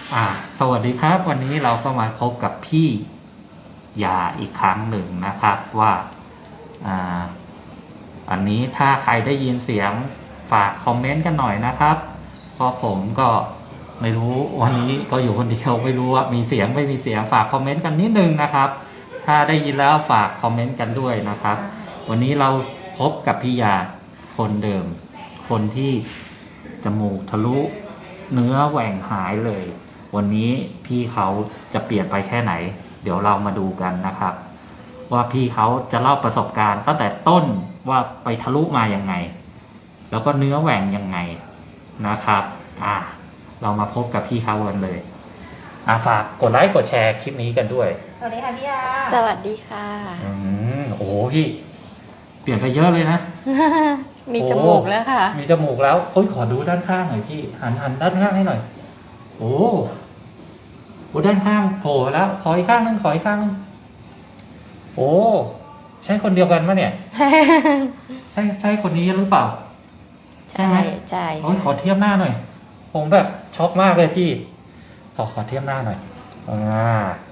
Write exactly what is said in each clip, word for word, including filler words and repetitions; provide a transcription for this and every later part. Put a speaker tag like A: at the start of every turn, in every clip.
A: อ่าสวัสดีครับวันนี้เราก็มาพบกับพี่ยาอีกครั้งหนึ่งนะครับว่าอ่าอันนี้ถ้าใครได้ยินเสียงฝากคอมเมนต์กันหน่อยนะครับเพราะผมก็ไม่รู้วันนี้ก็อยู่คนเดียวไม่รู้ว่ามีเสียงไม่มีเสียงฝากคอมเมนต์กันนิดนึงนะครับถ้าได้ยินแล้วฝากคอมเมนต์กันด้วยนะครับวันนี้เราพบกับพี่ยาคนเดิมคนที่จมูกทะลุเนื้อแหว่งหายเลยวันนี้พี่เขาจะเปลี่ยนไปแค่ไหนเดี๋ยวเรามาดูกันนะครับว่าพี่เขาจะเล่าประสบการณ์ตั้งแต่ต้นว่าไปทะลุมายังไงแล้วก็เนื้อแหว่งยังไงนะครับอ่าเรามาพบกับพี่เขากันเลยอ่าฝากกดไลค์กดแชร์คลิปนี้กันด้วย
B: สวัสดีค่ะพี่ยา
C: สวัสดีค่ะ
A: อืมโอ้โหพี่เปลี่ยนไปเยอะเลยนะ
C: มีจมูกแล้วค่ะ
A: มีจมูกแล้วโอ้ยขอดูด้านข้างหน่อยพี่หันหันด้านข้างให้หน่อยโอ้โหด้านข้างโผล่แล้วขออีกข้างนึงขออีกข้างนึงโอ้ใช่คนเดียวกันปะเนี่ย ใช่ใช่คนนี้หรือเปล่าใช่ไหม
C: ใช่
A: โอ้ยขอเทียบหน้าหน่อยผมแบบช็อกมากเลยพี่ขอขอเทียบหน้าหน่อยอ่า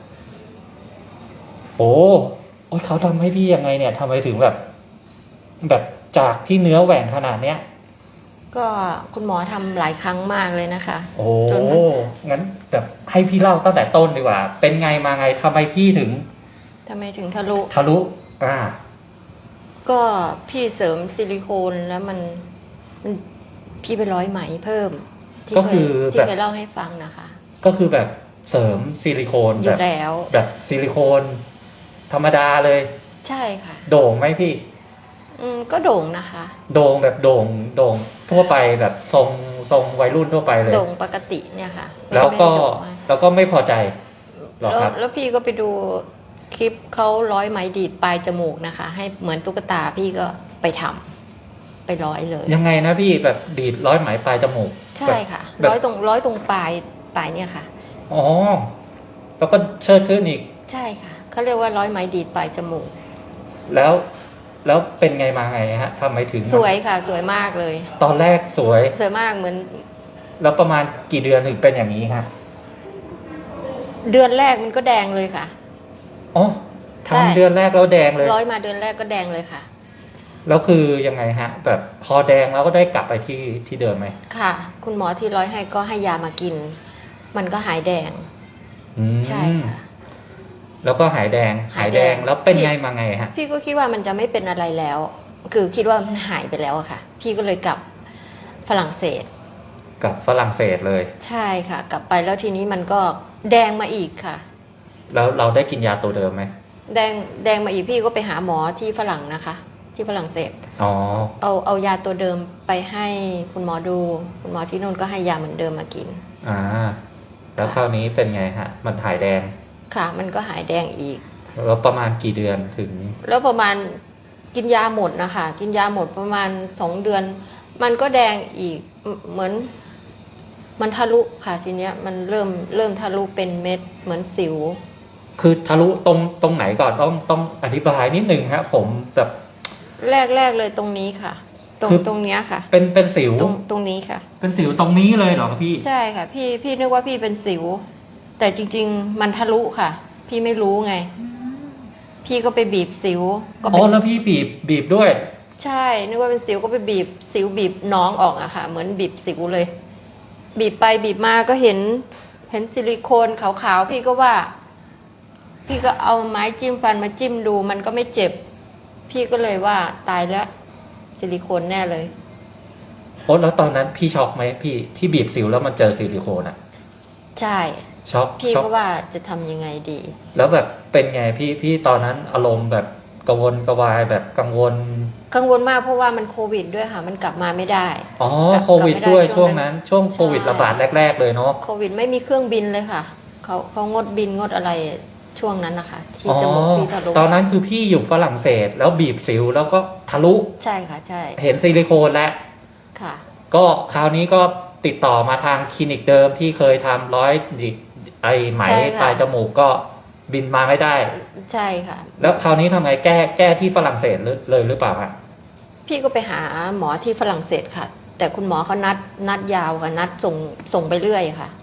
A: โอ้โอ้ยเขาทำให้พี่ยังไงเนี่ยทำไมถึงแบบ แบบจากที่เนื้อแหว่งขนาดเนี้ย
C: ก็คุณหมอทำหลายครั้งมากเลยนะคะ
A: โอ้งั้นแบบให้พี่เล่าตั้งแต่ต้นดีกว่าเป็นไงมาไงทำไมพี่ถึง
C: ทำไมถึงทะลุ
A: ทะลุอ่า
C: ก็พี่เสริมซิลิโคนแล้วมันมันพี่ไปร้อยไหมเพิ่ม
A: ก็คือ
C: ที่เคยเล่าให้ฟังนะคะ
A: ก็คือแบบเสริมซิลิโคน
C: อยู่แล้ว
A: แบบซิลิโคนธรรมดาเลย
C: ใช่ค่ะ
A: โด่งไหมพี่
C: อืมก็โด่งนะคะ
A: โด่งแบบโด่งโด่งทั่วไปแบบทรงทรงวัยรุ่นทั่วไปเลย
C: โด่งปกติเนี่ยค่ะ
A: แล้วก็แล้วก็ไม่พอใจหรอครับ
C: แล้วพี่ก็ไปดูคลิปเขาร้อยไหมดีดปลายจมูกนะคะให้เหมือนตุ๊กตาพี่ก็ไปทำไปร้อยเลย
A: ยังไงนะพี่แบบดีดร้อยไหมปลายจมูก
C: ใช่ค่ะร้อยตรงร้อยตรงปลายปลายเนี่ยค่ะ
A: อ๋อแล้วก็เชิดขึ้นอีก
C: ใช่ค่ะเขาเรียกว่าร้อยไหมดีดปลายจมูก
A: แล้วแล้วเป็นไงมาไงฮะทำไมถึง
C: สวยค่ะสวยมากเลย
A: ตอนแรกสวย
C: สวยมากเหมือน
A: แล้วประมาณกี่เดือนถึงเป็นอย่างนี้ครับ
C: เดือนแรกมันก็แดงเลยค่ะ
A: อ๋อทำเดือนแรกแล้วแดงเลย
C: ร้อยมาเดือนแรกก็แดงเลยค่ะ
A: แล้วคือยังไงฮะแบบพอแดงแล้วก็ได้กลับไปที่ที่เดิมไหม
C: ค่ะคุณหมอที่ร้อยให้ก็ให้ยามากินมันก็หายแดงใช่ค่ะ
A: แล้วก็หายแดงหายแดงแล้วเป็นไงมาไงฮะ
C: พี่ก็คิดว่ามันจะไม่เป็นอะไรแล้วคือคิดว่ามันหายไปแล้วอะค่ะพี่ก็เลยกลับฝรั่งเศส
A: กลับฝรั่งเศสเลย
C: ใช่ค่ะกลับไปแล้วทีนี้มันก็แดงมาอีกค่ะ
A: แล้วเราได้กินยาตัวเดิมไหม
C: แดงแดงมาอีกพี่ก็ไปหาหมอที่ฝรั่งนะคะที่ฝรั่งเศส
A: อ๋อ
C: เอาเอายาตัวเดิมไปให้คุณหมอดูคุณหมอที่นู่นก็ให้ยาเหมือนเดิมมากิน
A: อ่าแล้วคราวนี้เป็นไงฮะมันหายแดง
C: ค่ะมันก็หายแดงอีก
A: แล้วประมาณกี่เดือนถึง
C: แล้วประมาณกินยาหมดนะคะกินยาหมดประมาณสองเดือนมันก็แดงอีกเหมือนมันทะลุค่ะทีเนี้ยมันเริ่มเริ่มทะลุเป็นเม็ดเหมือนสิว
A: คือทะลุตรงตรงไหนก่อนต้องต้องอธิบายนิดนึงครับผมแบบ
C: แรกแรกเลยตรงนี้ค่ะตรงตรงเนี้ยค่ะ
A: เป็นเป็นสิว
C: ตรงตรงนี้ค่ะ
A: เป็นสิวตรงนี้เลยเหรอครับพี่
C: ใช่ค่ะพี่พี่นึกว่าพี่เป็นสิวแต่จริงๆมันทะลุค่ะพี่ไม่รู้ไงพี่ก็ไปบีบสิวก็
A: อ๋อแล้วพี่บีบบีบด้วย
C: ใช่นึกว่าเป็นสิวก็ไปบีบสิวบีบน้องออกอะค่ะเหมือนบีบสิวเลยบีบไปบีบมาก็เห็นเห็นซิลิโคนขาวๆพี่ก็ว่าพี่ก็เอาไม้จิ้มฟันมาจิ้มดูมันก็ไม่เจ็บพี่ก็เลยว่าตายแล้วซิลิโคนแน่เลย
A: โอ้แล้วตอนนั้นพี่ช็อกไหมพี่ที่บีบสิวแล้วมันเจอซิลิโคนอะ
C: ใช่
A: ช็อก
C: พี่ก็ว่าจะทำยังไงดี
A: แล้วแบบเป็นไงพี่พี่ตอนนั้นอารมณ์แบบกังวลกระวายแบบกังวล
C: กังวลมากเพราะว่ามันโควิดด้วยค่ะมันกลับมาไม่ได้
A: อ๋อโควิดด้วยช่วงนั้นช่วงโควิดระบาดแรกๆเลยเนาะ
C: โควิดไม่มีเครื่องบินเลยค่ะเขาเขางดบินงดอะไรช่วงนั้นนะคะที่จมูกพี่ทะลุ
A: ตอนนั้นคือพี่อยู่ฝรั่งเศสแล้วบีบสิวแล้วก็ทะลุ
C: ใช่ค่ะใช่
A: เห็นซิลิโคนแล้ว
C: ค่ะ
A: ก็คราวนี้ก็ติดต่อมาทางคลินิกเดิมที่เคยทำร้อยดิไอไหมปลายจมูกก็บินมาไม่ได้
C: ใช่ค่ะ
A: แล้วคราวนี้ทำไงแก้แก้ที่ฝรั่งเศสเลยหรือเปล่าฮะ
C: พี่ก็ไปหาหมอที่ฝรั่งเศสค่ะแต่คุณหมอเขานัดนัดยาวค่ะนัดส่งส่งไปเรื่อยค่ะ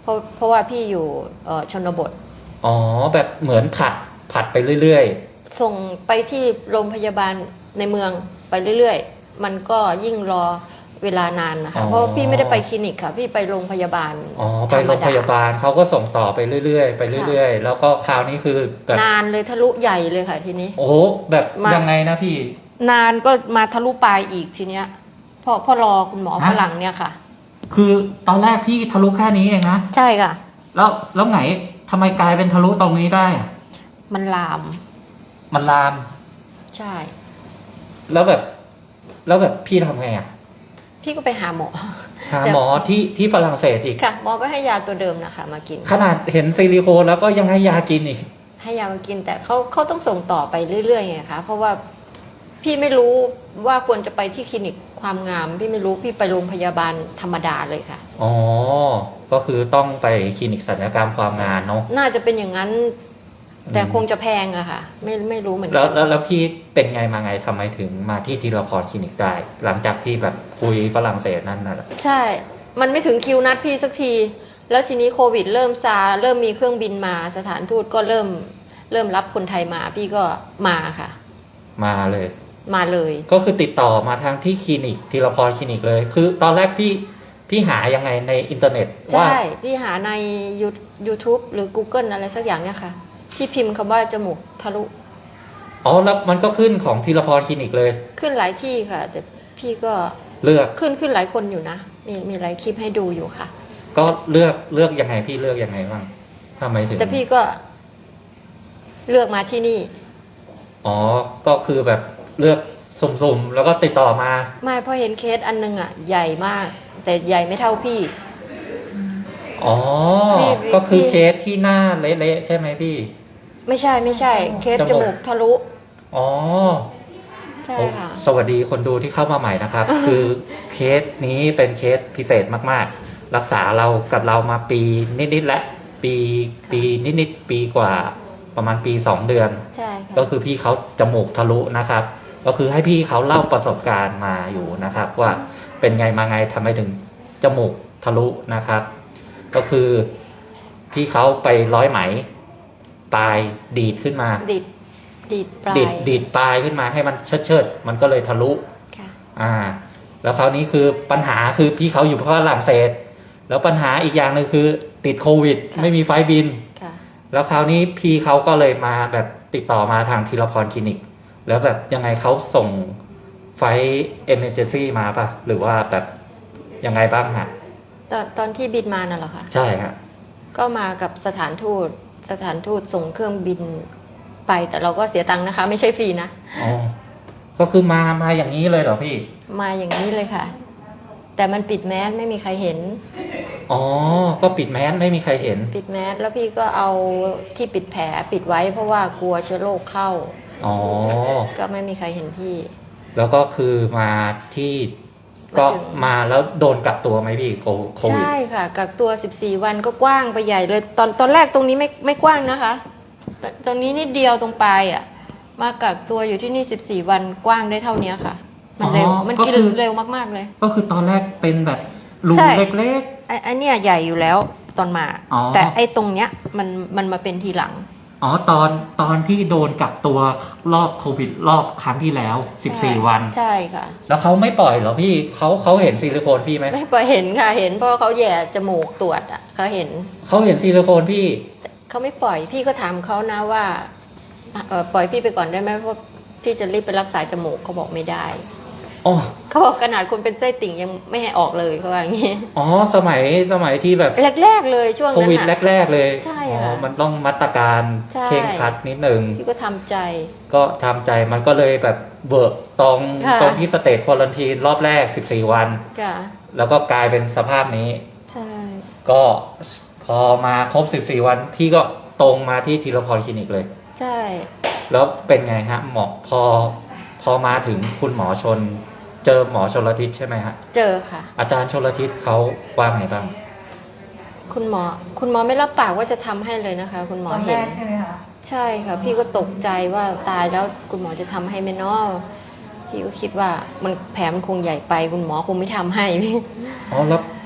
C: เพราะเพราะว่าพี่อยู่เอ่อชนบท
A: อ๋อแบบเหมือนผัดผัดไปเรื่อย
C: ส่งไปที่โรงพยาบาลในเมืองไปเรื่อยๆ มันก็ยิ่งรอเวลานานนะคะ เพราะพี่ไม่ได้ไปคลินิกค่ะ พี่ไปโรงพยาบาล
A: ๆอ๋อไปโรงพยาบาลเขาก็ส่งต่อไปเรื่อยๆไปเรื่อยๆ แล้วก็คราวนี้คือแบบ
C: นานเลยทะลุใหญ่เลยค่ะทีนี้
A: โอ้โหแบบ
C: มายั
A: ยังไงนะพี่
C: นานก็มาทะลุปลายอีกทีเนี้ยเพราะเพราะรอคุณหมอ
A: ฮะ
C: ฝรั่งเนี่ยค่ะ
A: คือตอนแรกพี่ทะลุแค่นี้เองนะ
C: ใช่ค่ะ
A: แล้วแล้วไงทำไมกลายเป็นทะลุตรงนี้ได้อะ
C: มันลาม
A: มันลาม
C: ใช่
A: แล้วแบบ แล้วแบบพี่ทำไงอ่ะ
C: พี่ก็ไปหาหมอ
A: หาหมอที่ที่ฝรั่งเศสอีก
C: ค่ะหมอก็ให้ยาตัวเดิมนะคะ มากิน
A: ขนาดเห็นซิลิโคนแล้วก็ยังให้ยากินอีก
C: ให้ยามากินแต่เขาเขาต้องส่งต่อไปเรื่อยๆไงคะเพราะว่าพี่ไม่รู้ว่าควรจะไปที่คลินิกความงาม พี่ไม่รู้พี่ไปโรงพยาบาลธรรมดาเลยค่ะ
A: อ๋อ ก็คือต้องไปคลินิกศัลยกรรมความงานเนาะ
C: น่าจะเป็นอย่างนั้น แต่
A: อืม
C: คงจะแพงอะค่ะ ไม่ไม่รู้เหมือน
A: แล้ว
C: กั
A: แล้วแล้วพี่เป็นไงมาไงทำไมถึงมาที่ทีละพรคลินิกได้ หลังจากที่แบบคุยฝรั่งเศสนั่นน่ะ
C: ใช่ มันไม่ถึงคิวนัดพี่สักที แล้วทีนี้โควิดเริ่มซาเริ่มมีเครื่องบินมาสถานทูตก็เริ่มเริ่มรับคนไทยมา พี่ก็มาค่ะ
A: มาเลย
C: มาเลย
A: ก็คือติดต่อมาทางที่คลินิกทีละพรคลินิกเลย คือตอนแรกพี่พี่หายังไงในอินเทอร์เน็ตว่า
C: ใช่ พี่หาใน YouTube หรือ Google อะไรสักอย่างเนี่ยค่ะ ที่พิมพ์คำว่าจมูกทะลุ
A: อ๋อแล้วมันก็ขึ้นของทีละพรคลินิกเลย
C: ขึ้นหลายที่ค่ะ แต่พี่ก็
A: เลือก
C: ขึ้นขึ้นหลายคนอยู่นะ มีมีหลายคลิปให้ดูอยู่ค่ะ
A: ก็เลือกเลือกยังไงพี่เลือกยังไงบ้างทำไมถึง
C: แต่พี่ก็เลือกมาที่นี่
A: อ๋อ ก็คือแบบเลือกสุ่มๆ แล้วก็ติดต่อมา
C: ไม่เพราะเห็นเคสอันนึงอ่ะ ใหญ่มาก แต่ใหญ่ไม่เท่าพี่
A: อ๋อ
C: พี่พี่
A: ก็คือเคสที่หน้าเละๆใช่ไหมพี่
C: ไม่ใช่ไม่ใช่ เคส
A: จ
C: จ
A: มูก
C: มูกทะลุ
A: อ๋อ
C: ใช่ค่ะ
A: สวัสดีคนดูที่เข้ามาใหม่นะครับ คือเคสนี้เป็นเคสพิเศษมากๆ รักษาเรากับเรามาปีนิดๆแล้วปีปีนิดๆปีกว่าประมาณปีสองเดือน
C: ใช่ค่ะ
A: ก็คือพี่เขาจมูกทะลุนะครับ ก็คือให้พี่เขาเล่าประสบการณ์มาอยู่นะครับ ว่าเป็นไงมาไงทำไมถึงจมูกทะลุนะครับ ก็คือพี่เขาไปร้อยไหมปลายดีดขึ้นมา
C: ดีดดีดปลาย
A: ดีดดีดปลายขึ้นมาให้มันเชิดเชิดๆมันก็เลยทะลุ
C: ค่ะ
A: อ่า แล้วคราวนี้คือปัญหาคือพี่เขาอยู่ฝรั่งเศส แล้วปัญหาอีกอย่างหนึ่งคือติดโควิด
C: ค่ะ
A: ไม่มีไฟล์บิน
C: ค่ะ
A: แล้วคราวนี้พี่เขาก็เลยมาแบบติดต่อมาทางทีละพรคลินิก แล้วแบบยังไงเขาส่งไฟเอเมอร์เจนซี่มาปะหรือว่าแบบยังไงบ้างฮะ
C: ตอนตอนที่บินมาน่ะเหรอคะ
A: ใช่ฮะ
C: ก็มากับสถานทูต สถานทูตส่งเครื่องบินไปแต่เราก็เสียตังค์นะคะ ไม่ใช่ฟรีนะ
A: อ๋อ ก็คือมามาอย่างนี้เลยเหรอพี่
C: มาอย่างนี้เลยค่ะ แต่มันปิดแมสไม่มีใครเห็น
A: อ๋อ ก็ปิดแมสไม่มีใครเห็น
C: ปิดแมสแล้วพี่ก็เอาที่ปิดแผลปิดไว้เพราะว่ากลัวเชื้อโรคเข้า
A: อ๋อ
C: ก็ไม่มีใครเห็นพี่
A: แล้วก็คือมาที่ก็
C: มาถึง
A: มาแล้วโดนกักตัวไหมพี่โคโควิด
C: ใช่ค่ะ กักตัวสิบสี่วันก็กว้างไปใหญ่เลย ตอนตอนแรกตรงนี้ไม่ไม่กว้างนะคะตตรงนี้นิดเดียวตรงปลายอ่ะ มากักตัวอยู่ที่นี่สิบสี่วันกว้างได้เท่านี้ค่ะ มันเร็ว
A: อ๋อ
C: มัน
A: ก็
C: กิน
A: คือ
C: เร็วมากๆเลย
A: ก็คือตอนแรกเป็นแบบรู
C: ใช่
A: เล็ก
C: ไอ้ไอ้เนี่ยใหญ่อยู่แล้วตอนมา
A: อ๋อ
C: แต่ไอ้ตรงเนี้ยมันมันมาเป็นทีหลัง
A: ๆ อ๋อ ตอนตอนที่โดนกักตัวรอบโควิดรอบครั้งที่แล้วสิบสี่
C: ใช่
A: วัน
C: ใช่ค่ะ
A: แล้วเขาไม่ปล่อยเหรอพี่เขาเขาเห็นซิลิโคนพี่ไหม
C: ไม่พอเห็นค่ะเห็นเพราะเขาแย่จมูกตรวจอ่ะเขาเห็น
A: เขาเห็นซิลิโคนพี่
C: เขาไม่ปล่อยพี่ก็ถามเขานะว่าเอ่อปล่อยพี่ไปก่อนได้ไหมเพราะพี่จะรีบไปรักษาจมูกเขาบอกไม่ได้
A: อ๋อ
C: เขาบอกขนาดคนเป็นไส้ติ่งยังไม่ให้ออกเลยเขาว่าอย่างนี้
A: อ๋อ สมัยสมัยที่แบบ
C: แรกๆเลยช่วง
A: โค
C: นั้น
A: วิด
C: น่ะ
A: แรก ๆ เลย
C: ใช่
A: อ๋อ
C: ค่ะ
A: มันต้องมาตรการ
C: ใช่
A: เคร่งครัดนิดนึง
C: พี่ก็ทำใจ
A: ก็ทำใจมันก็เลยแบบเบิกตรง
C: ค่ะ
A: ตรงที่สเตจควอลันทีนรอบแรกสิบสี่วัน
C: ค่ะ
A: แล้วก็กลายเป็นสภาพนี้
C: ใช่
A: ก็พอมาครบสิบสี่วัน พี่ก็ตรงมาที่ทีละพรคลินิกเลย
C: ใช่
A: แล้วเป็นไงฮะหมอพอพอมาถึงคุณหมอชน เจอหมอชลทิศใช่ไหมฮะ
C: เจอค่ะ
A: อาจารย์ชลทิศเขาว่าไงบ้าง
C: คุณหมอ คุณหมอไม่รับปากว่าจะทำให้เลยนะคะ คุณหมอ
B: ตอนแร
C: เห็น
B: กใช่ไหมคะ
C: ใช่ค่ะ พี่ก็ตกใจว่าตายแล้วคุณหมอจะทำให้ไหมเนาะพี่ก็คิดว่ามันแผลมันคงใหญ่ไป คุณหมอคงไม่ทำให้พี่
A: อ๋อแล้ว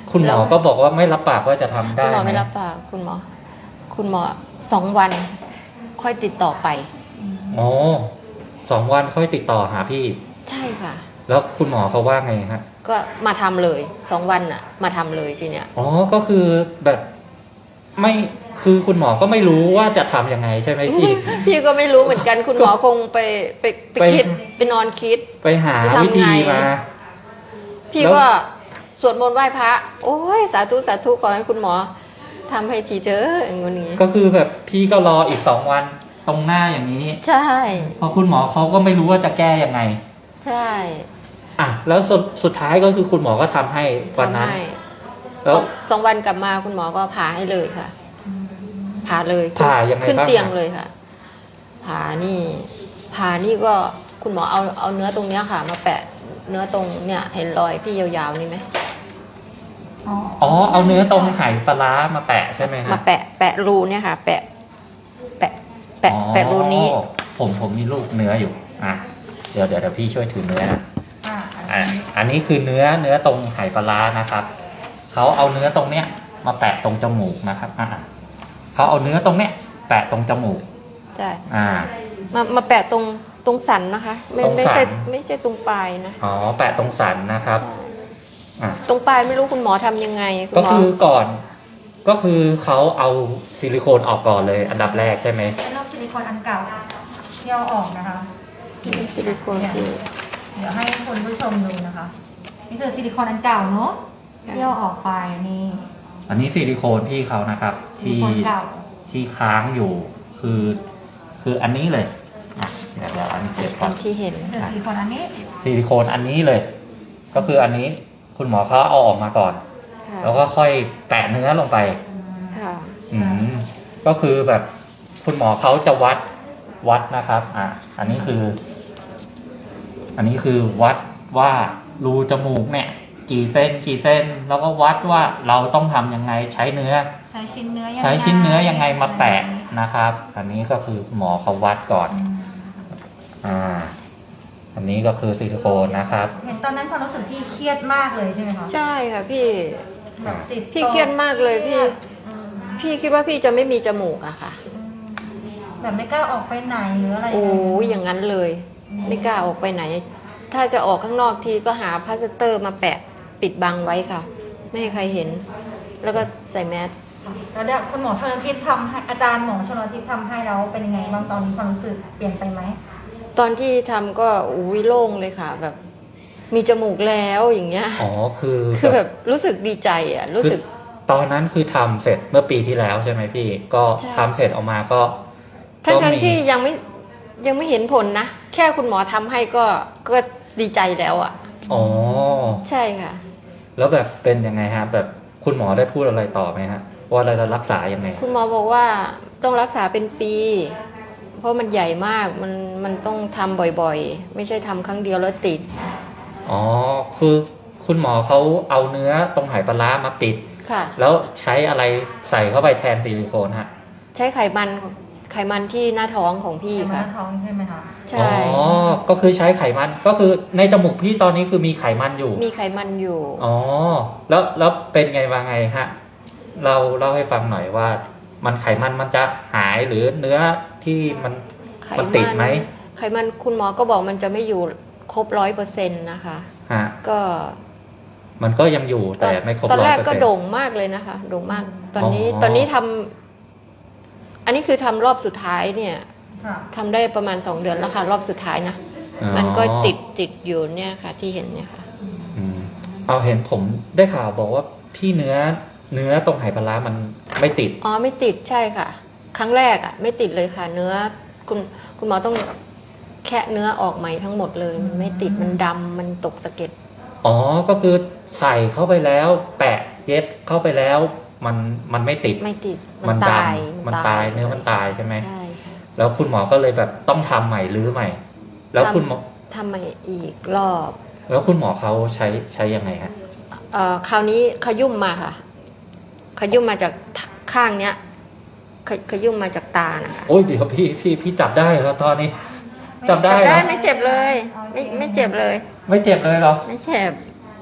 A: คุณหมอก็บอกว่าไม่รับปากว่าจะทำได้
C: คุณหมอ
A: ไหม
C: ไม่รับปากคุณหมอ คุณหมอสองวัน ค่อยติดต่อไป
A: อ๋อสองวันค่อยติดต่อหาพี่
C: ใช่ค่ะ
A: แล้วคุณหมอเขาว่าไงฮะ
C: ก็มาทำเลยสองวันน่ะ มาทำเลยทีเนี้ย
A: อ๋อก็คือแบบไม่คือคุณหมอก็ไม่รู้ว่าจะทำยังไงใช่ไหมพี่
C: พี่ก็ไม่รู้เหมือนกันคุณหมอคงไปไปไป
A: ไป
C: คิดไปนอนคิด
A: ไปหา
C: จะทำไง
A: วิธีมา
C: พี่
A: แล้ว
C: ก็สวดมนต์ไหว้พระ โอ้ยสาธุสาธุขอให้คุณหมอทำให้ทีเถอะอย่างงี้
A: ก็คือแบบพี่ก็รออีกสองวันตรงหน้าอย่างนี้
C: ใช่
A: เพราะคุณหมอเขาก็ไม่รู้ว่าจะแก้ยังไง
C: ใช่
A: อ่ะแล้วสุดสุดท้ายก็คือคุณหมอก็ทำให้วันนั้น
C: ทำให้
A: แล้
C: ส
A: ว
C: องสองวันกลับมาคุณหมอก็ผ่าให้เลยค่ะ ผ่าเลย
A: ผ่ายังไง
C: ขึ้น
A: บ้าง
C: เตียง
A: อะ
C: เลยค่ะ ผ่านี่ผ่านี่ก็คุณหมอเอาเอาเนื้อตรงเนี้ยค่ะ มาแปะเนื้อตรงเนี่ยเห็นรอยพี่ยาวๆนี่ไหม
A: อ๋อเอาเนื้อตรงไหปลาร้ามาแปะใช่ไหมฮะ
C: มาแปะแปะรูเนี่ยค่ะ แปะ แปะแปะ
A: อ๋อ
C: แปะรูนี้
A: ผมผมมีลูกเนื้ออยู่อ่ะเดี๋ยวเดี๋ยวเดี๋ยวพี่ช่วยถือเนื้อนะ
B: อ่า
A: อ่ะอันนี้คือเนื้อเนื้อตรงไหปลาร้านะครับเขาเอาเนื้อตรงเนี้ยมาแปะตรงจมูกนะครับอ่ะเขาเอาเนื้อตรงเนี้ยแปะตรงจมูก
C: ใช่
A: อ่า
C: มามาแปะตรงตรงสันนะคะ ไม่
A: ตรง
C: ไม่
A: สัน
C: ใช่ไม่ใช่ตรงปลายนะ
A: อ๋อแปะตรงสันนะครับ
C: ใช่
A: อ่ะ
C: ตรงปลายไม่รู้คุณหมอทำยังไงคุณ
A: ก็
C: หมอ
A: คือก่อน ก็คือเขาเอาซิลิโคนออกก่อนเลย อันดับแรกใช่ไหม
B: เป็นรอบซิลิโคนอันเก่าที่เอาออกนะคะ
C: ซิลิโคนคือ
B: เดี๋ยวให้คุณผู้ชมดูนะคะ นี่คือซิลิโคนอันเก่าเนาะที่เอาออกไปนี่
A: อันนี้ซิลิโคนพี่เขานะครับ
B: ซิลิ
A: ที่
B: โคนเก่า
A: ที่ค้างอยู่ คือ คืออันนี้เลยอ่ะเดี๋ยวเดี๋ยวอันนี้เก็บก่
C: ตา
A: อน
C: มที่เห็น
B: นี่คือ
C: ค่ะ
B: ซิลิโคนอันนี้
A: ซิลิโคนอันนี้เลย ก็คืออันนี้คุณหมอเขาเอาออกมาก่อน
C: ค่ะ
A: แล้วก็ค่อยแปะเนื้อลงไป
B: อืม
C: ค่ะ
A: อืมก็คือแบบคุณหมอเขาจะวัดวัดนะครับ อ่ะ อันนี้คือ อันนี้คือวัดว่ารูจมูกเนี่ย กี่เส้นกี่เส้น แล้วก็วัดว่าเราต้องทำยังไงใช้เนื้อ
B: ใช้ชิ้นเนื้อยังไง
A: ใช้ชิ้นเนื้อยังไงมาแปะนะครับ อันนี้ก็คือหมอเขาวัดก่อน
B: อืม
A: อ่า อันนี้ก็คือซิลิโคนนะครับ
B: เห็นตอนนั้นความรู้สึกพี่เครียดมากเลยใช่ไหมคะ
C: ใช่ค่ะพี่
B: แบบติด
C: พี่เครียดมากเลยพี่
B: อืม
C: พี่คิดว่าพี่จะไม่มีจมูกอะค่ะ
B: อืมแบบไม่กล้าออกไปไหนหรืออะไร
C: โอ้
B: เลย
C: ยอย่างนั้นเลย
B: อืม
C: ไม่กล้าออกไปไหน ถ้าจะออกข้างนอกทีก็หาพลาสเตอร์มาแปะปิดบังไว้ค่ะ ไม่ให้ใครเห็น แล้วก็ใส่แมส
B: แล้วเดี๋ยวคุณหมอชลทิศทำให้อาจารย์หมอชลทิศทำให้แล้วเป็นยังไงบ้างตอนนี้ความรู้สึกเปลี่ยนไปไหม
C: ตอนที่ทำก็อุ้ยโล่งเลยค่ะ แบบ มีจมูกแล้วอย่างเงี้ย
A: อ๋อ คือ
C: คือแบบรู้สึกดีใจอะรู้สึก
A: ตอนนั้นคือทำเสร็จเมื่อปีที่แล้วใช่ไหมพี่ ก็
C: ใช่
A: ทำเสร็จออกมาก็
C: ทั้ง
A: ก็
C: ทั้ง
A: มี
C: ที่ยังไม่ยังไม่เห็นผลนะ แค่คุณหมอทำให้ก็ก็ดีใจแล้วอะ
A: อ๋อ
C: ใช่ค่ะ
A: แล้วแบบเป็นยังไงฮะ แบบคุณหมอได้พูดอะไรต่อไหมฮะ ว่าเราจะรักษายังไง
C: คุณหมอบอกว่าต้องรักษาเป็นปี เพราะมันใหญ่มากมันมันต้องทำบ่อยๆ ไม่ใช่ทำครั้งเดียวแล้วติด
A: อ๋อ คือคุณหมอเขาเอาเนื้อตรงไหปลาร้ามาปิด
C: ค่ะ
A: แล้วใช้อะไรใส่เข้าไปแทนซิลิโคนฮะ
C: ใช้ไขมันไขมันที่หน้าท้องของพี่
B: ที่หน้า
C: ค่ะ
B: ท้องใช่ไหมคะ
C: ใช่
A: อ๋อ ก็คือใช้ไขมัน ก็คือในจมูกพี่ตอนนี้คือมีไขมันอยู่
C: มีไขมันอยู่
A: อ๋อ แล้วแล้วเป็นไงมาไงฮะ เราเล่าให้ฟังหน่อยว่า มันไขมันมันจะหายหรือเนื้อที่มัน
C: ไข
A: มันติดไหม
C: ไขมันคุณหมอก็บอกมันจะไม่อยู่ครบร้อยเปอร์เซ็นต์นะคะ
A: ฮะ
C: ก็
A: มันก็ยังอยู่แต่ไม่ครบ
C: ตอน
A: ร้อ
C: แร
A: ย
C: ก
A: เปอร์
C: ก็
A: เซ็นต์
C: โด่งมากเลยนะคะ โด่งมาก ตอนนี้
A: อ๋อ
C: ตอนนี้ทำอันนี้คือทำรอบสุดท้ายเนี่ย
B: ค่ะ
C: ทำได้ประมาณสองเดือนแล้วค่ะ รอบสุดท้ายนะ มันก็ติดติดอยู่เนี่ยค่ะ ที่เห็นเนี่ยค่ะ
A: อืมเอาเห็นผมได้ข่าวบอกว่าพี่เนื้อเนื้อตรงไหปลาร้ามันไม่ติด
C: อ๋อไม่ติดใช่ค่ะ ครั้งแรกอ่ะ ไม่ติดเลยค่ะ เนื้อคุณคุณหมอต้องแคะเนื้อออกใหม่ทั้งหมดเลย มันไม่ติดมันดำมันตกสะเก็ด
A: อ๋อ ก็คือใส่เข้าไปแล้ว แปะเย็บเข้าไปแล้ว มันมันไม่ติด
C: ไม่ติด
A: มั
C: มัน น
A: ด
C: ตาย
A: ำมันตายเนื้อมันตายใช่ไหม
C: ใช่ค่ะ
A: แล้วคุณหมอก็เลยแบบต้องทำใหม่รื้อใหม่ แล้วคุณหมอ
C: ทำใหม่อีกรอบ
A: แล้วคุณหมอเขาใช้ใช้ยังไงฮะ
C: เอ่อคราวนี้ขยุ่มมาค่ะ ขยุ่มมาจากข้างเนี้ยขขยุ่มมาจากตานะคะ
A: โอ้ยเดี๋ยวพี่พี่พี่จับได้แล้วตอนนี้ จับได้
C: จับได้
A: นะ
C: ไม่เจ็บเลย ไม่ไม่เจ็บเลย
A: ไม่เจ็บเลยเหรอ
C: ไม่เจ็บ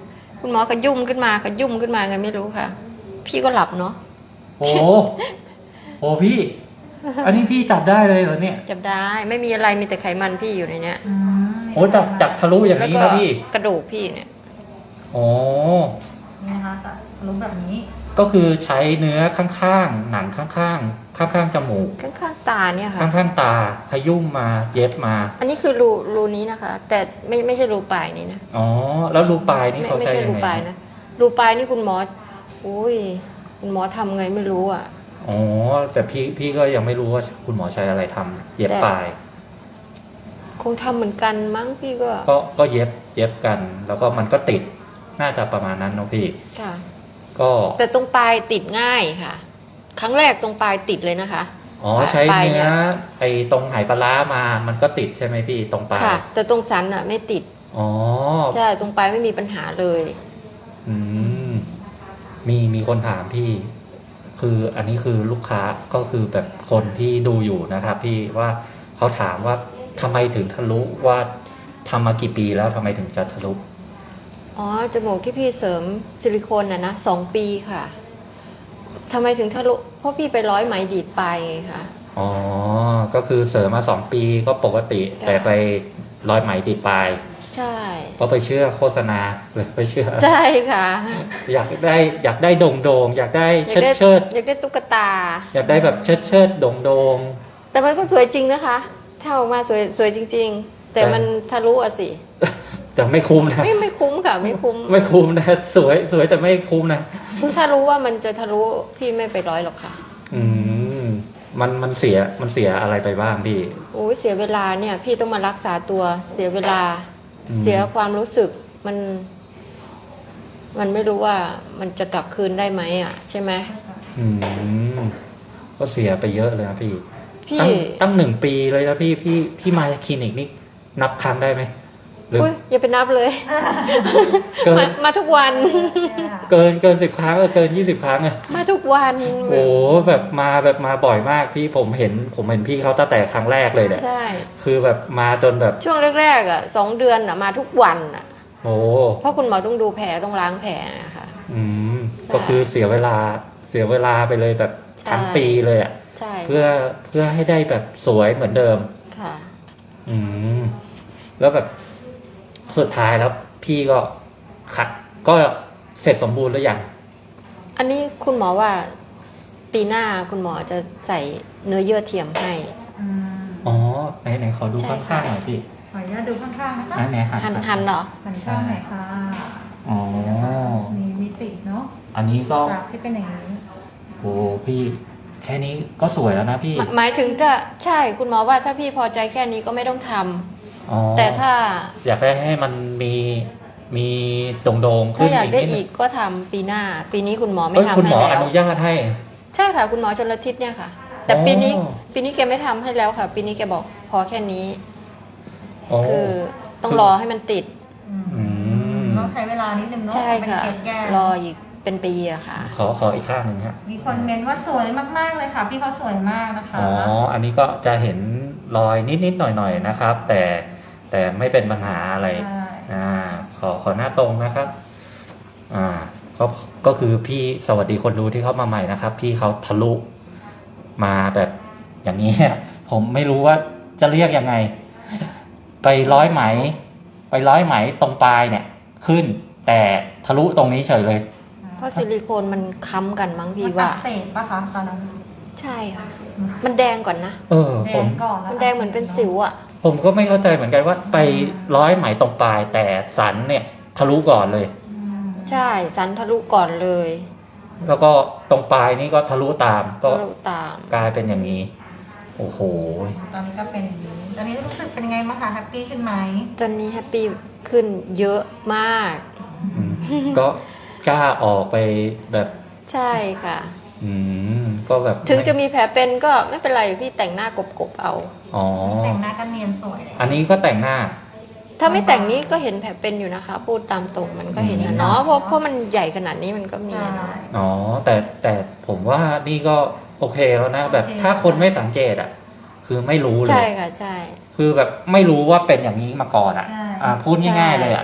C: คุณหมอก็ยุ่มขึ้นมาก็ยุ่มขึ้นมาไงไม่รู้ค่ะ พี่ก็หลับเนาะ
A: โอ้โหพี่ อันนี้พี่จับได้เลยเหรอเนี่ย
C: จับได้ไม่มีอะไรมีแต่ไขมันพี่อยู่ในเนี้ย
B: อืม
A: โอ้จับจับทะลุอย่าง
C: แล้ว
A: นี้
C: ก็
A: นะพี่
C: กระดูกพี่เนี่ย
A: โอ้
B: นี่นะคะแต่ทะลุแบบนี้
A: ก็คือใช้เนื้อข้างๆ หนังข้างๆ ข้างๆ จมูก
C: ข้างๆตาเนี่ยค่ะ
A: ข้างๆ ตา ขยุ่มมาเย็บมา
C: อันนี้คือรูรูนี้นะคะ แต่ไม่ไม่ใช่รูปลายนี้นะ
A: อ๋อ แล้วรูปลายนี่
C: ไม่
A: เขา
C: ไม่
A: ใช้
C: ใช่
A: ยัง
C: รู
A: ไง
C: ปลายนะรูปลายนี่คุณหมออุ้ยคุณหมอทำไงไม่รู้อ่ะ
A: อ๋อ แต่พี่พี่ก็ยังไม่รู้ว่าคุณหมอใช้อะไรทำเย็บ
C: แต่
A: ปลาย
C: คงทำเหมือนกันมั้งพี่ก็
A: ก็ก็เย็บเย็บกัน แล้วก็มันก็ติด น่าจะประมาณนั้นเนอะพี่
C: ค่ะ
A: ก็
C: แต่ตรงปลายติดง่ายค่ะ ครั้งแรกตรงปลายติดเลยนะคะ
A: อ๋อ ใช้
C: ปลาย
A: เนื้
C: เนี่
A: อย ไอ้ตรงไหปลาร้ามา มันก็ติดใช่ไหมพี่ ตรงปลาย
C: ค่ะ แต่ตรงสันอ่ะ ไม่ติด
A: อ๋อ
C: ใช่ตรงปลายไม่มีปัญหาเลย
A: อืม มีมีคนถามพี่ คืออันนี้คือลูกค้าก็คือแบบคนที่ดูอยู่นะครับพี่ว่าเขาถามว่าทำไมถึงทะลุว่าทำมากี่ปีแล้วทำไมถึงจะทะลุ
C: อ๋อจมูกที่พี่เสริมซิลิโคนน่ะนะสองปีค่ะทำไมถึงทะลุเพราะพี่ไปร้อยไหมดีดปลายไงคะ
A: อ๋อ ก็คือเสริมมาสองปีก็ปกติ
C: ค่ะ
A: แต่ไปร้อยไหมติดปลาย
C: ใช่
A: ก็ไปเชื่อโฆษณาเลยไปเชื่อ
C: ใช่ค่ะ
A: อยากได้อยากได้โด่งโดงๆอยากได้
C: อยา
A: เชิ
C: ก
A: ด
C: ได้
A: เชิด
C: อยากได้ตุ๊กตา
A: อยากได้แบบเชิดเชิดโด่งโดง
C: แต่มันก็สวยจริงนะคะถ้าออกมาสวยสวยจริง ๆ แต่
A: แต่
C: มันทะลุอะสิ
A: ๆแต่ไม่คุ้มนะ
C: ไม่ไม่คุ้มค่ะ ไม่คุ้ม
A: ไม่คุ้มนะสวยสวยแต่ไม่คุ้มนะ
C: ถ้ารู้ว่ามันจะทะลุพี่ไม่ไปร้อยหรอกค่ะ
A: อืมมันมันเสียมันเสียอะไรไปบ้างพี่
C: โอ้ยเสียเวลาเนี่ย พี่ต้องมารักษาตัวเสียเวลา
A: อืม
C: เสียความรู้สึกมัน มันไม่รู้ว่ามันจะกลับคืนได้ไหมอ่ะ ใช่ไหม
A: อืมก็เสียไปเยอะเลยนะพี่
C: พี่
A: ตั้งตั้งหนึ่งปีเลยนะพี่พี่พี่มาคลินิกนี่นับครั้งได้ไหมหรือ
C: อุ้ยอย่าไปนับเลย
A: เกิ
C: มาน มาทุกวัน
A: เกินเกินสิบครั้งเออเกินยี่สิบครั้งอะ
C: มาทุกวัน
A: โอ้แบบมาแบบมาบ่อยมากพี่ผมเห็นผมเห็นพี่เขาตั้งแต่ครั้งแรกเลยเนี่ย
C: ใช่
A: คือแบบมาจนแบบ
C: ช่วงแรกๆอ่ะสองเดือนอ่ะมาทุกวันอ่ะ
A: โอ้
C: เพราะคุณหมอต้องดูแผลต้องล้างแผลนะคะ
A: อืม
C: ใช่
A: ก็คือเสียเวลาเสียเวลาไปเลยแบบ
C: ใช่
A: ทั้งปีเลยอะ
C: ใช่
A: เพื่อเพื่อให้ได้แบบสวยเหมือนเดิม
C: ค่ะ
A: อืม แล้วแบบสุดท้ายแล้วพี่ก็ขัดก็เสร็จสมบูรณ์แล้วยัง
C: อันนี้คุณหมอว่าปีหน้าคุณหมอจะใส่เนื้อเยื่อเทียมให้
B: อืม
A: อ๋อไหนไหนขอดู
C: ใช่
A: ข้าง
C: ค่ะ
A: ๆหน่อยพี่
B: ขออนุญาตดูข้างๆนะคะ
A: ไหนไหนหัน
C: หันหันเหรอ
B: หันข้างไหนอยค่ะ
A: อ๋อ
B: มีมิติเนาะ
A: อันนี้ก็
B: จากที่เป็นอย่างนี้
A: โอ้พี่ แค่นี้ก็สวยแล้วนะพี่
C: หมายหมายถึงถ้าใช่คุณหมอว่าถ้าพี่พอใจแค่นี้ก็ไม่ต้องทำ
A: อ๋อ
C: แต่ถ้า
A: อยากได้ให้มันมีมีโด่งๆ
C: ถ้า
A: ขึ้น
C: อยากได้
A: นิ
C: อี
A: ด
C: กก็ทำปีหน้า ปีนี้คุณหมอ
A: นึง
C: ไม่
A: เอ้ย
C: ทำ
A: คุณหม
C: ให้
A: ออ
C: แล้ว
A: นุญาตให้
C: ใช่ค่ะคุณหมอชลทิศเนี่ยค่ะ แต่
A: อ๋อ
C: ปีนี้ปีนี้แกไม่ทำให้แล้วค่ะ ปีนี้แกบอกพอแค่นี้
A: อ๋อ
C: คือต้อง
A: คือ
C: รอให้มันติด
A: อืม
B: ต้องใช้เวลานิดนึงเนาะ
C: ใช่
B: เป็น
C: ค่ะ
B: เกล็ดแก้
C: รออีกเป็นปีอะค่ะ
A: ขอขออีกข้างหนึ่งฮะ
B: มีคนเมนว่าสวยมากๆเลยค่ะ พี่เขาสวยมากนะคะ
A: อ๋อ อันนี้ก็จะเห็นรอยนิดๆหน่อยๆนะครับ แต่แต่ไม่เป็นปัญหาอะไร
B: ใช่
A: อ่า ขอขอหน้าตรงนะครับ อ่า ก็ก็คือพี่สวัสดีคนดูที่เข้ามาใหม่นะครับ พี่เขาทะลุมาแบบอย่างนี้ ผมไม่รู้ว่าจะเรียกยังไง ไปร้อยไหม ไปร้อยไหมตรงปลายเนี่ย ขึ้น แต่ทะลุตรงนี้เฉยเลย
C: เพราะซิลิโคนมันค้ำกันมั้งพี่
B: มัน
C: ว่า
B: อักเสบปะคะตอนนั้น
C: ใช่ค่ะ มันแดงก่อนนะ
A: เออ
B: แด
A: ผม
B: งก่อนแล้ว
C: มันแดงเหมือนเป็นสิวอะ
A: ผมก็ไม่เข้าใจเหมือนกันว่าไปร้อยไหมตรงปลาย แต่สันเนี่ย ทะลุก่อนเลย
B: อืม
C: ใช่สันทะลุก่อนเลย
A: แล้วก็ตรงปลายนี่ก็ทะลุตาม ก็
C: ทะลุตาม
A: กลายเป็นอย่างนี้ โอ้โห
B: ตอนนี้ก็เป็นอย่างนี้ตอนนี้รู้สึกเป็นไงบ้างคะแฮปปี้ขึ้นไหม
C: ตอนนี้แฮปปี้ขึ้นเยอะมาก
A: อืมก็กล้าออกไปแบบ
C: ใช่ค่ะ
A: อืมก็แบบ
C: ถึงจะมีแผลเป็นก็ไม่เป็นไรพี่แต่งหน้ากบๆเอา
A: อ๋อ
B: แต่งหน้ากันเนียนสวยเลย
A: อันนี้ก็แต่งหน้า
C: ถ้าไม่แต่งนี้ก็เห็นแผลเป็นอยู่นะคะ พูดตามตรงมันก็เห็นนะเนาะเพราะเพราะมันใหญ่ขนาดนี้มันก็มี
B: ใช่
C: อะเนาะ
A: อ๋อ แต่แต่ผมว่านี่ก็โอเคแล้วนะ แบบ
B: โอเค
A: ถ้าคนไม่สังเกตอ่ะ คือไม่รู้เล
C: ใช่
A: ย
C: ค่ะใช่
A: คือแบบไม่รู้ว่าเป็นอย่างนี้มาก่อนอ่ะ
B: ใช่
A: อ่า พูดง่ายๆเลยอ่ะ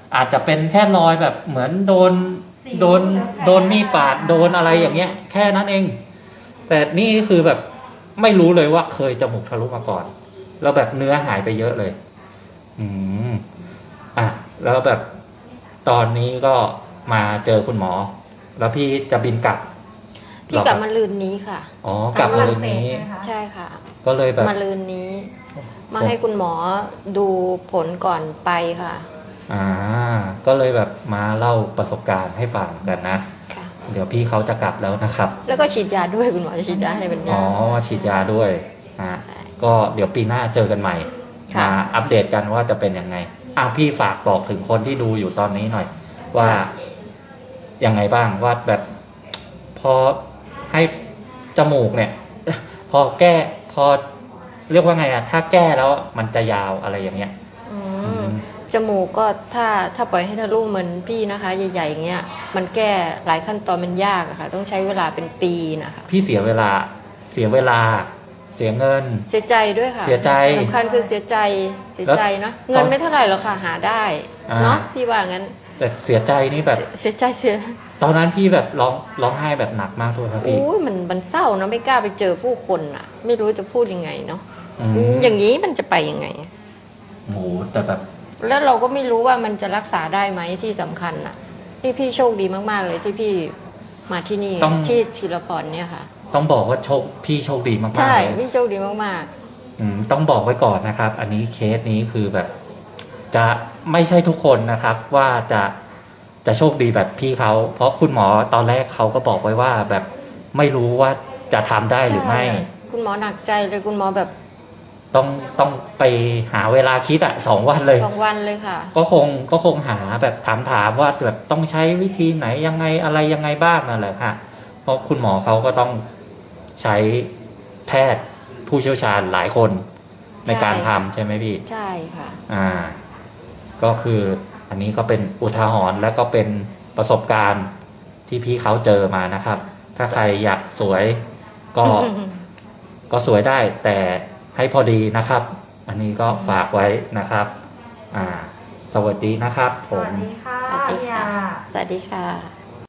A: อาจจะเป็นแค่รอยแบบเหมือนโดน
B: สิว
A: โดน
B: หรือแผล
A: โดนมีดปาดโดนอะไรอย่างเงี้ย แค่นั้นเอง แต่นี่คือแบบไม่รู้เลยว่าเคยจมูกทะลุมาก่อน แล้วแบบเนื้อหายไปเยอะเลย อืมอ่ะแล้วแบบตอนนี้ก็มาเจอคุณหมอ แล้วพี่จะบินกลับ
C: พี่กลับมาลืนนี้ค่ะ
A: อ๋อกลับมาเลยนี้
B: ฝรั่งเศสใช่ไหมคะ
C: ใช่ค่ะ
A: ก็เลยแบบ
C: มาลืนนี้ มาให้คุณหมอดูผลก่อนไปค่ะ
A: อ่า ก็เลยแบบมาเล่าประสบการณ์ให้ฟังกันนะ
C: ค่ะ
A: เดี๋ยวพี่เขาจะกลับแล้วนะครับ
C: แล้วก็ฉีดยาด้วยคุณหมอจะฉีดยาให้เป็น
A: อ๋
C: ยา
A: อฉีดยาด้วยอ่าก็เดี๋ยวปีหน้าเจอกันใหม่
C: ค่ะ
A: มาอัปเดตกันว่าจะเป็นยังไงอ่ะพี่ฝากบอกถึงคนที่ดูอยู่ตอนนี้หน่อย ว่ายังไงบ้างว่าแบบ พอให้จมูกเนี่ย พอแก้พอเรียกว่าไงอะถ้าแก้แล้วมันจะยาวอะไรอย่างเงี้ย
C: อื
A: อื
C: ม
A: ม
C: จมูกก็ถ้าถ้าปล่อยให้ทะลุเหมือนพี่นะคะ ใหญ่ๆอย่างเงี้ยมันแก้หลายขั้นตอนมันยากอะค่ะ ต้องใช้เวลาเป็นปีนะคะ
A: พี่เสียเวลา เสียเวลา เสียเงิน
C: เสียใจด้วยค่ะ
A: เสียใจ
C: สำคัญคือเสียใจเสียใจเนาะ
A: แล้ว
C: เงินไม่เท่าไหร่หรอกค่ะหาได้
A: อ่า
C: เนาะพี่ว่างั้น
A: แต่เสียใจนี่แบบ
C: เสียเสียใจเสีย
A: ตอนนั้นพี่แบบร้องร้องไห้แบบหนักมากด้วยครับพี่
C: อุ้ยมันมันเศร้าเนาะไม่กล้าไปเจอผู้คนอ่ะ ไม่รู้จะพูดยังไงเนาะ
A: อืม
C: อย่างนี้มันจะไปยังไง
A: โอ้โหแต่แบบ
C: แล้วเราก็ไม่รู้ว่ามันจะรักษาได้ไหมที่สำคัญอ่ะ ที่พี่โชคดีมากๆเลยที่พี่มาที่นี่
A: ต้อง
C: ที่ธีรพรเนี่ยค่ะ
A: ต้องบอกว่าโชคพี่โชคดีมากๆ
C: ใช่
A: เลย
C: พี่โชคดีมาก
A: อืมต้องบอกไว้ก่อนนะครับ อันนี้เคสนี้คือแบบ จะไม่ใช่ทุกคนนะครับ ว่าจะจะโชคดีแบบพี่เขาเพราะคุณหมอตอนแรกเขาก็บอกไว้ว่าแบบไม่รู้ว่าจะทำได้
C: ๆ
A: หรือไม่
C: ใช่คุณหมอหนักใจเลยคุณหมอแบบ
A: ต้องต้องไปหาเวลาคิดอะสองวันเลย
C: สองวันเลยค่ะ
A: ก็คงก็คงหาแบบถามถามว่าแบบต้องใช้วิธีไหนยังไงอะไรยังไงบ้างนั่นแหละค่ะเพราะคุณหมอเขาก็ต้องใช้แพทย์ผู้เชี่ยวชาญหลายคนในการทำใช่ไหมพี่
C: ใช่ค่ะ
A: อ่า ก็คืออันนี้ก็เป็นอุทาหรณ์และก็เป็นประสบการณ์ที่พี่เขาเจอมานะครับ ถ้าใครอยากสวยก็ ก็สวยได้แต่ให้พอดีนะครับ อันนี้ก็ฝากไว้นะครับ อ่า สวัสดีนะครับ
B: ส
A: ผม
B: วัสดีค่ะ
C: สวัสดี
B: พี่
C: ค่ะ
B: ยา
C: สวัสดีค่ะ